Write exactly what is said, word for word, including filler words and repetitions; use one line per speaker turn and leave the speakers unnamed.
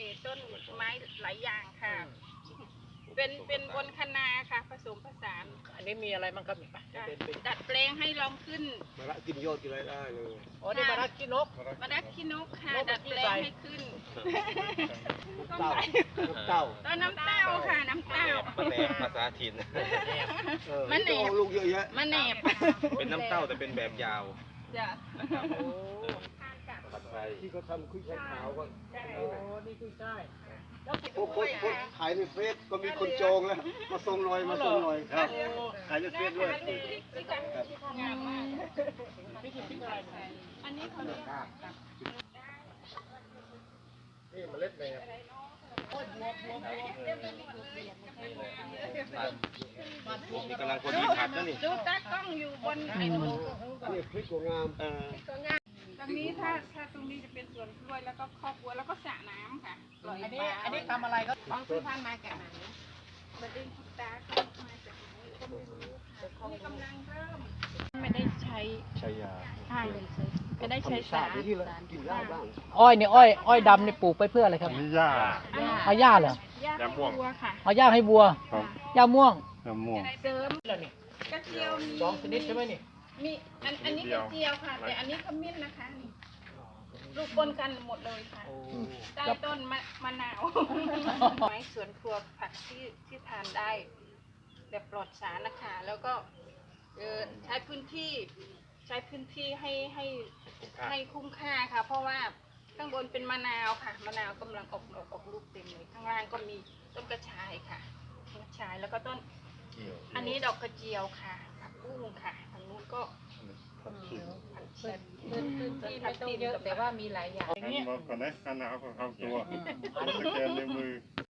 ต้นไม้หลายอย่างค่ะเป็นเป็นบนคะนาค่ะผสมผสาน
อันนี้มีอะไรบ้างครับ
ดัดแปลงให้ลองขึ้น
มะระกินยอดกินอะไรได้เลย
อ๋อนี่มะระขี้นก
มะระขี้นกค่ะดัดแปลงให้ขึ้น
เต้าน้ำเต้า
ต้นน้ำเต้าค่ะน้ำเต้า
มันแหนบภาษาถิ่น
มันแหนบ
ลูกเยอะแยะ
มันแหนบ
เป็นน้ำเต้าแต่เป็นแบบยาว
จ้ะ
ที่เขาทำคุยไข่ขาวก็
โอ้นี่คือใช่
พวกคนขายในเฟซก็มีคนจองแล้วมาส่งหน่อยมาส่งหน่อยครับขายในเฟซด้วย
งามมาก
นี่คือพริกอะไร
อันนี้เขาเรียก
นี่เมล็ดแหนบ
นี่กำลังพอดีผัดนะนี่
ดูตากล้องอยู่บนไอ้นู้น
นี่พริกหัวงามเออ
ตรงนี้ถ้าถ้าตรงนี้จะเป็นสวนกล้วยแล้วก็ครอบครัวแล้วก็สระน้ำค่ะ
อันนี้อันนี้ทำอะไรครับ
ของซื้อพันมาจากไหนมันเองคุณตาเขามาจากไหนก็ไม่รู้ค่ะนี่กำลังเริ่มไม่ได้ใช้
ใช้ยา
ใช่ไม่ได้ใช้สาร
ที่เรากินได้บ้าง
อ้อยนี่อ้อยอ้อยดำนี่ปลูกไปเพื่ออะไรครับ
นี่หญ้า
เอาหญ้าเหรอ
หญ้าให้วัวค่ะ
เอาหญ้าให้วัวหญ้าม่วง
มะม่วง
เสริม
แล้วนี่
กระเจียวมี
สองชนิดใช่ไหมนี่
มีอันอันนี้กระเจียวค่ะแต่อันนี้ขมิ้นนะคะนี่ลูกปนกันหมดเลยค่ะใต้ต้นมะมะนาวไม้สวนครัวผักที่ที่ทานได้แบบปลอดสารนะคะแล้วก็เออใช้พื้นที่ใช้พื้นที่ให้ให้ให้คุ้มค่าค่ะเพราะว่าข้างบนเป็นมะนาวค่ะมะนาวกำลังออกดอกออกลูกเต็มเลยข้างล่างก็มีต้นกระชายค่ะกระชายแล้วก็ต้นอันนี้ดอกกระเจียวค่ะผักบุ้งค่ะทางนู้นก็ผักชีผักชีพื้นที่ไม่ต้องเยอะแต่ว่ามีหลายอย่าง
อันนี้ก่อนนะอันหนาวของเขาตัวอันนี้แก